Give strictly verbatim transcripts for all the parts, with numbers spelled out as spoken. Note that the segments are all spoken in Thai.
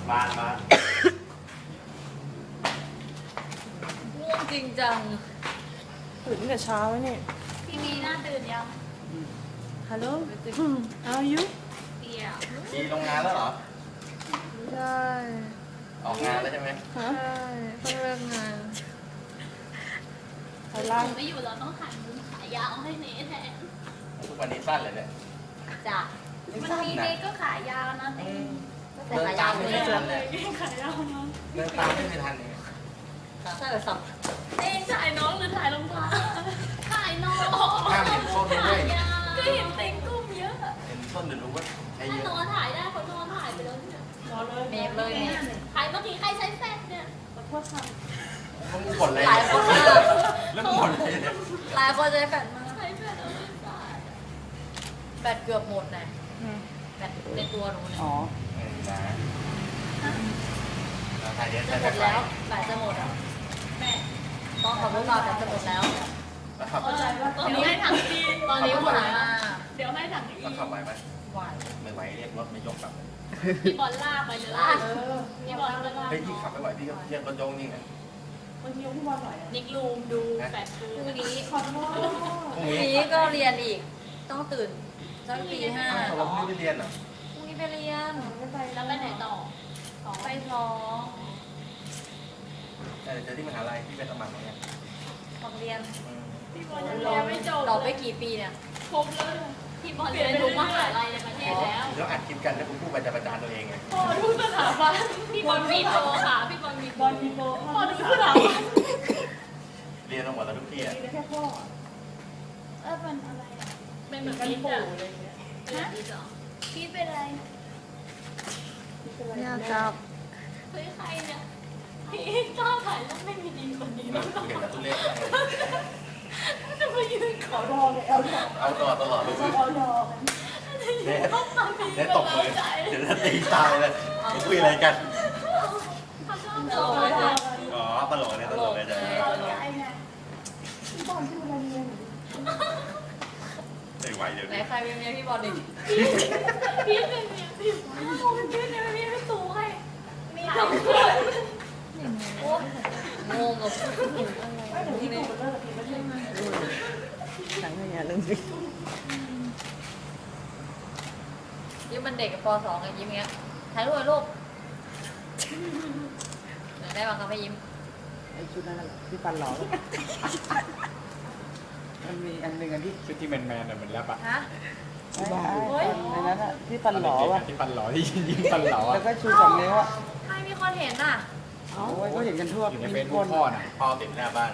บ้านบ้านง่วงจริงจังตื่นตั้งแต่เช้าแล้วเนี่ยพี่มีหน้าตื่นยังฮัลโหล how are you เปียกทีโรงงานแล้วเหรอใช่ออกงานแล้วใช่ไหมฮะใช่เพิ่งเลิกงานไปล่างหนูไม่อยู่แล้วต้องหันขายาวให้เนทแทนทุกวันนี้สั้นเลยเนี่ยจ้ะวันนี้เนทก็ขายาวนะเต้แต่เดินขายาตามวไม่เลยทันเลยขายาวนะเดินตามไม่ทันเลยใช่แบบสับเต้ถ่ายน้องหรือถ่ายรองเท้าถ่ายน้องห้ามเห็นส้นด้วยก็เห็นเต็งกุ้มเยอะเห็นส้นเดี๋ยวรู้ว่าใช้เยถ้าอะนอนถ่ายได้คนนอนถ่ายไปแล้วเนี่ยเมฟเลยเนี่ยถ่ายเมื่อกี้ใครใช้แฟลชเนี่ยมึงกดอะไรหลายคนมากแล้วมึงกดอะไรเนี่ยหลายคนใช้แฟนมากใช้แฟลชเอาไม่ได้แบตเกือบหมดนะแบตในตัวหนูเนี่ยอ๋อเออนะเราถ่ายเยอะจะใช้หมแบบดแล้วแบตจะหมดอ่ะแม่ต้องขอพูดเราแบตจะหมดแล้วแล้วขับเออตอนนี้ให้ถังดีตอนนี้หมดแล้วเดี๋ยวให้ถังดีแล้วขับไหวไหมไหวไม่ไหวเรียกรถไม่ยกกลับเลยพี่บอลลากไปเลยลากพี่บอลก็ลากเฮ้ยพี่ขับไม่ไหวพี่ก็เรียกรถยกนี่ไงนิกลูมดูแฟลชดูพรุ่งนี้พรุ่งพรุ่งนี้นี้ก็เรียนอีก ต้องตื่นสักตีห้าอ้าวเราพรุ่งนี้ไปเรียนเหรอพรุ่งนี้ไปเรียนแล้วไปไหนต่อต่อไปท้องเออเจอที่มหาลัยที่เป็นสมัครเนี่ยทำเรียนอืมพี่บอลยังเรียนไม่จบต่อไปกี่ปีเนี่ยครบแล้วพี่บอลเรียนทุกมหาลัยในประเทศแล้วแล้วอัดคลิปกันแล้วผมพูดไปจะประจานตัวเองไงพอทุกสถาบันพี่บอลมีโปรค่ะพี่บอลมีโปรมีโปรพอทุกสถาบันเรียนมาหมดแล้วทุกที่อ่ะเออเป็นอะไรอ่ะเป็นเหมือนกันปู่เลยฮะพี่เป็นอะไรอยากกลับเฮ้ยใครเนี่ยพี่กล้าถ่ายรูปไม่มีดีคนนี้มัแล้นวเห็นแล้วทุเรศจะมายืนขอเอาตลอดตลอดเลยเนี่ยเนี่ยตบมือเดี๋ยวจะตีตายเลยคุยอะไรกันตลกเลยจ้ะอ๋อตลกเนี่ยตลกเลยจ้ะไม่ไหวเดี๋ยวไหนนี้ใครเป็นเมียพี่บอลดิพี่เป็นเนี่ยพี่เป็นพี่เนี่ยพี่ไม่ตูให้มีสองคนโอ้งงกับพูดถึงอะไรนี่สั่งให้ยาเรื่องนี้ยิ้มมันเด็กกับปสองไงยิ้มเงี้ยถ่ายรูปเลยลูกเดี๋ยวได้บังคับให้ยิ้มไอ้ชุดนั้นน่ะที่ฟันหล่อมันมีอันหนึ่งอันที่ชุดที่แมนแมนๆอะเหมือนแรปอะฮะที่บ้าในนั้นอ่ะที่ฟันหล่อว่ะที่ฟันหล่อที่ยิ้มฟันหล่อแล้อะวก็ชูสองนิ้วอ่ะใครมีคนเห็นอ่ะโอ้ยก็เห็นกันทั่วอยู่ในมีเฟซคบุ๊กนพ่อน่ะพ่อติดหน้าบ้าน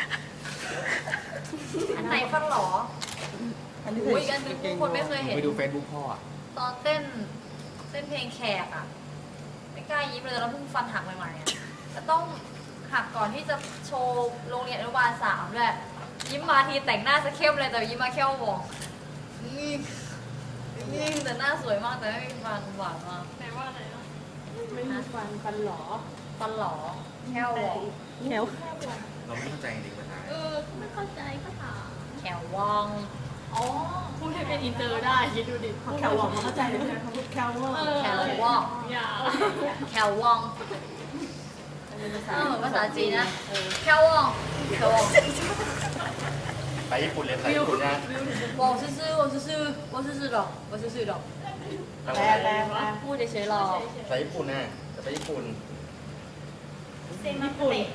อันไหนฟันหรออันนี้อุ้ยใส่อันนึงกางเกงคนไม่เคยเห็นไปดูเฟซบุ๊กพ่ออะตอนเต้นเต้นเพลงแขกอ่ะไม่กล้ายิ้มเลยแล้วเพิ่งฟันหักใหม่ๆอ่ะจะต้องหักก่อนที่จะโชว์โรงเรียนอนุบาลสามด้วยยิ้มมาทีแต่งหน้าจะเข้มเลยแต่ยิ้มมาแค่วบอกนี่นี่แต่หน้าสวยมากแต่ไม่มีฟันหวานมากแปลว่าอะไรอ่ะไม่มีฟันฟันหลอฟันหลอแค่วบอกแขวเราไม่เข้าใจจริงๆปัญหาเออไม่เข้าใจก็ถามแขววองอ๋อพูดให้เป็นอินเตอร์ได้คิดดูดิแควบอกมาเข้าใจเลยนะเขาพูดแควว่าแขววองอย่าแขววองเออเหมือนภาษาจีนนะแขววองแขววองไปญี่ปุ่นเรียนภาษาญี่ปุ่นนะ我是是我是是我是是的我是是的ทำแปไมลแปลแปลพูดเฉยๆหรอไปญี่ปุ่นนะจะไปญี่ปุ่นเซมาเตะ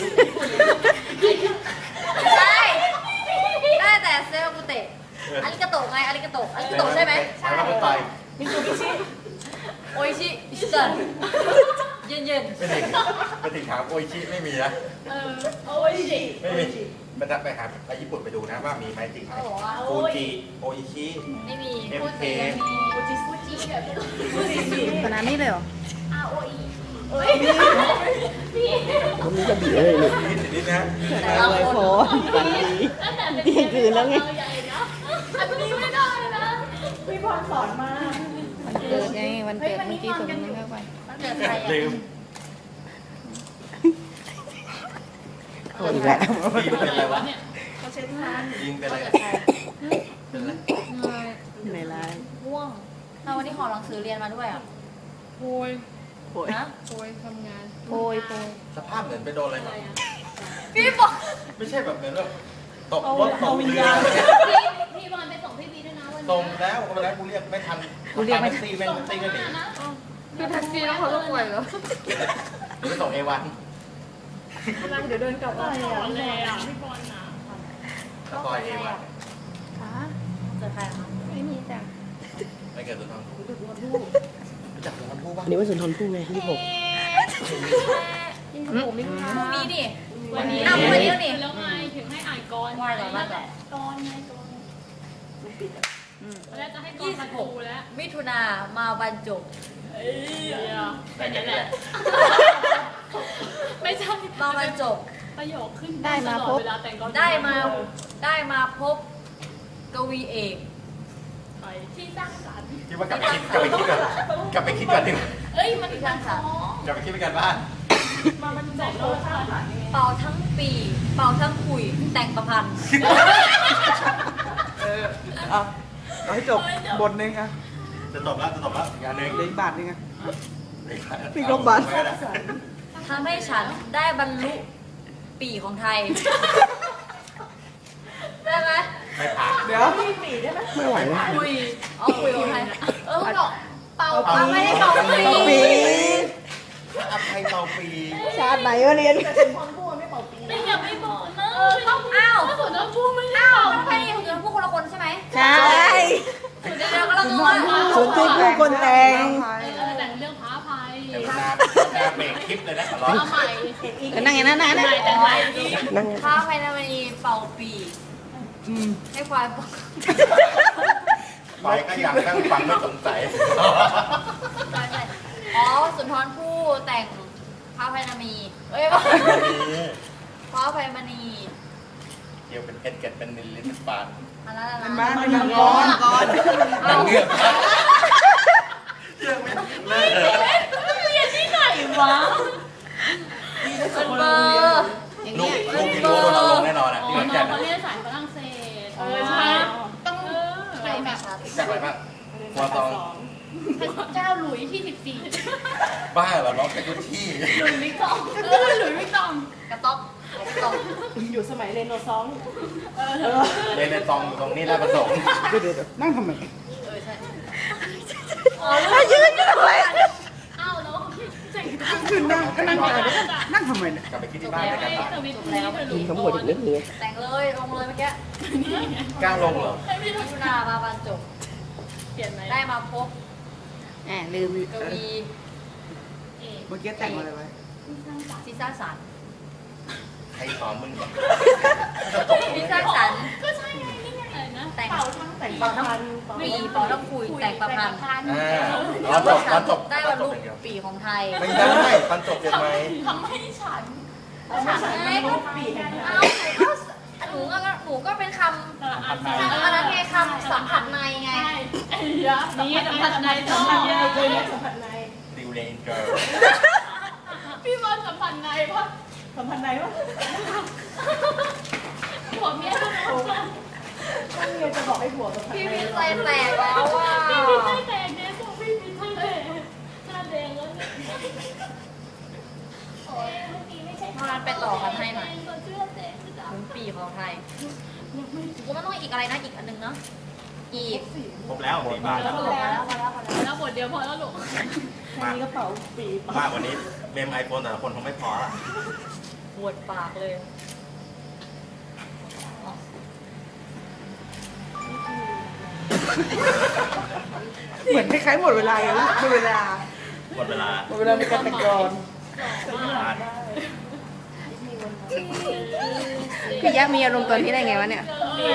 ใช่ได้แต่เซลกุเตะอาริกาโตะไงอาริกาโตะอาริกาโตะใช่ไหมใช่ไปมิซูบิชิโออิชิอิชิตันเย็นเย็นไปถึงไปถึงถามโออิชิไม่มีนะเออโอ้ยดิไม่มีมันจะไปหาไปญี่ปุ่นไปดูนะว่ามีไหมจริงไหมเขาบอกว่าฟูจิโออิชิไม่มีเอ็มพูดเคไปไม่มีฟูจิฟูจิแบบฟูจิชิขนาดนี้เลยเหรออาโออีเอ้ยพี่ผมมีกระบี่เลยเลยนี่สินี่นะแต่ละเลยคนโพฝันดีตั้งแต่เป็นเที่ยงคืนแล้วไงเราใหญ่นะอันนี้ไม่ได้นะพี่พรสอนมาวันเกิดไงวันเกิดเมื่อกี้ผมยังเข้าไปมันเกิดใครลือ่ะมคนอีกแล้วยิงเป็นอะไรวะเขาเช็ดทานยิงเป็นอะไรเกิดใครเป็นอะไรเงยในร้านง่วงถ้าวันนี้ขอหนังสือเรียนมาด้วยอ่ะโวยโอยนะโอยทำงานโอยโอยสภาพเหมือนไปโดนอะไรมาพี่บอกไม่ใช่แบบเหมือนแบบตกรถตกเรือพี่พี่บอลไปส่งพี่บีด้วยนะวันตรงนี้แล้ววันนั้นกูเรียกไม่ทันกูเรียกไม่ตีแม่งตีกันหนีคือแท็กซี่แล้วเขาต้องป่วยเหรอกูไปส่งเอวันกำลังเดี๋ยวเดินกลับบ้านสอนเลยอ่ะพี่บอลนะซอยเอวันเจอใครคะไม่มีจ้ะไม่เกิดสุนทรภู่รู้จักสุนทรภู่ป่ะอันนี้ว่าสุนทรภู่ไงที่หกยี่สิบหกมิถุนายนพรุ่งนี้ดิวันนี้อ้าววันนี้แล้วนี่แล้วไงถึงให้อ่านกรไหว้ก่อนไหว้ก่อนกรไงกรแล้วจะให้กรมาดูแล้วมิถุนามาบรรจบแค่นั้นแหละไม่ใช่มาบรรจบประโยคขึ้นได้มาพบเวลาแต่งกรได้มาได้มาพบกวีเอกที่สร้างสรรค์คิดว่ากลับไปคิดกลับไปคิดก่อนกลับไปคิดก่อนดิเอ้ยมันสร้างสรรค์กลับไปคิดไปกันบ้านมามันจบแล้วสร้างสรรค์ยังไงเป่าทั้งปี เป่าทั้งคุย แต่งประพันธ์เออเอาเอาให้จบบทหนึงอ่ะจะจบแล้วจะจบแล้วอีกอันหนึ่งเหลืออีกบาทหนึงอ่ะปีกลมบัตรทำให้ฉันได้บรรลุปีของไทย ได้ไหมไม่ผ่านเดี๋ยวพี่ปีได้ไหมไม่ไหวแล้วคุยเอาคุยของไทย เออบอกเป่าเป่าไม่ได้เป่าปีปีอภัยเตาปีชาติไหนวะเรียนแต่เป็นคนพูดไม่เป่าปีไม่อยากไม่บอกนะเออต้องอ้าวถ้าสมมติพูดไม่ได้อ้าวบอกมันไม่ได้ของเธอพวกคนละคนใช่ไหมใช่เดี๋ยวเดี๋ยวก็ละงงว่าสุนทรภู่คนแต่งเออแต่งเรื่องพระอภัยแต่มันนาหน้าเบรกคลิปเลยนะขอร้องเอาใหม่เออนั่งอย่างนั้นนะนั่งแต่งใหม่ดีนั่งอย่างนั้นข้าไพนามณีเป่าปีอืมให้ควายบอกไปก็อยากนั่งฟังไม่สงสัยใช่ใช่อ๋อสุนทรภู่แต่งพระไพนามี เอ้ยว่าพระไพมณีเกี่ยวเป็นเพชรเกล็ดเป็นนิลลิตปานอันนั้นอะไรเป็นนะบ้านเป็นมังกรก่อนเอาเงือกเรื่องไม่เลิกเลยวะเป็นเบอร์ลูกลูกที่รู้โดนเอาลงแน่นอนอ่ะอ๋อที่ขอนน้แก่องนเขาอะเรียนสายฝรั่งเศสเออใช่ต้องใช่แบบจากอะไรบ้างกัวตองพระเจ้าหลุยที่สิบสี่บ้าเหรอน้องเป็นกุชี่หลุยวิกตองเออหลุยวิกตองกระต๊อกกระต๊อกอยู่สมัยเรโนซองส์เรนในซองอยู่ตรงนี้แล้วประสงค์เดี๋ยวเดี๋ยวนั่งทำไมเออใช่อ๋อยืนยืนทำไมอ้าวแล้วเจ๋งขึ้นนั่งก็นั่งไปเลยนั่งทำไมเนี่ยกลับไปคิดที่บ้านด้วยกันไม่บ้างทวิตนี้ไปหลุกิยนทั้งหมดอีกนิดนึงแต่งเลยลงเลยเมื่อกี้กล้าลงเหรอมิถุนามาบรรจบเปลี่ยนไหมได้มาพบแหมลืมกวีเอกเมื่อกี้แต่งอะไรไว้ที่สร้างสรรค์ใครสอนมึงก่อนที่สร้างสรรค์ก็ใช่ไงนี่ไงอะไรนะแต่งเป่าทั้งแต่งประพันธ์เป่าปีเป่าทั้งคุยแต่งประพันธ์อ่าตอนจบตอนจบได้ตบอรนรจลุบเป็นเดียวปีของไทยไม่ได้ตอนจบยังไงทำให้ฉันฉันไม่รู้ปีแห่งเอาหนูก็หนูก็หนูก็เป็นคอ่านำอันนั้นไงคำสัมผัสในไงใช่ไอ้ยะนี่สัมผัสในสัต้มอผัสงในเลยนะสัมผัสในดิวเลนเกิร์ลพี่บอลสัมผัสในเพราะสัมผัสในวะผัวเมียต้องต้องเรียนจะบอกให้ผัวสัมผัสพี่ในมีใจแตกแล้วว่าพี่มีไส้แตกเนี่ยตัวพี่มีไส้แตกหน้าแดงแล้วเนี่ยโอ้ยเมื่อกี้ไม่ใช่พาไปต่อกันให้หน่อยตัวเชื่อแตกจะดับถึงปีของไทยกูมันต้องอีกอะไรนะอีกอันนึงเนาะอีกครบแล้วสี่บาทแล้วพอแล้วพอแล้วพอแล้วแล้วบทเดียวพอแล้วลูกอันนี้กระเป๋าปีมากวันนี้เมมไอโฟนแต่ละคนคงไม่พอละปวดปากเลยเหมือนคล้ายๆหมดเวลาเลยหมดเวลาหมดเวลาหมดเวลาในการแต่งกลอนผ่านพี่ยักษ์มีอารมณ์ตอนที่ได้ไงวะเนี่ย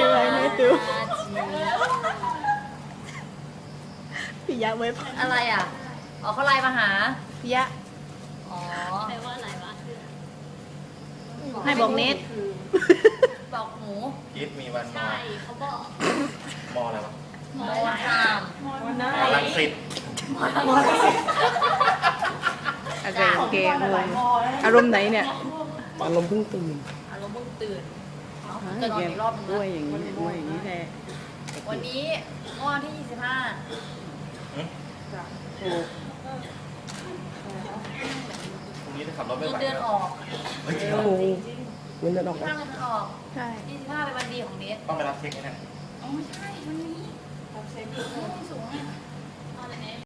พี่ยักษ์เว็บอะไรอ่ะอ๋อเขาไลน์มาหาพี่ยักษ์อ๋อแปลว่าอะไรวะให้บอกเน็ตบอกหมูกิฟมีวันมอใช่เขาบอกมออะไรวะหมูทามวันหน้ามอลังสิตอะไรโอเคหงลายงมอแล้วอารมณ์ไหนเนี่ยอารมณ์เพิ่งตื่นอารมณ์เพิ่งตื่นฮะจะนอนอีกรอบนึงด้วยนะอย่างนี้ด้วยอย่างนี้แท้วันนี้เมื่อวันที่ยี่สิบห้าถูกขับรถไม่เงิไหวนเดือนออกเฮ้ยจริงเหรอโอ้โหเงินเดือนออกห้านะเงินเดือนออกใช่ยี่สิบห้าเป็นวันดีของเนสต้องไปรับเช็คไหมเนี่ยอ๋อไม่ใช่วันนี้รับเช็คไม่สูงอ่ะ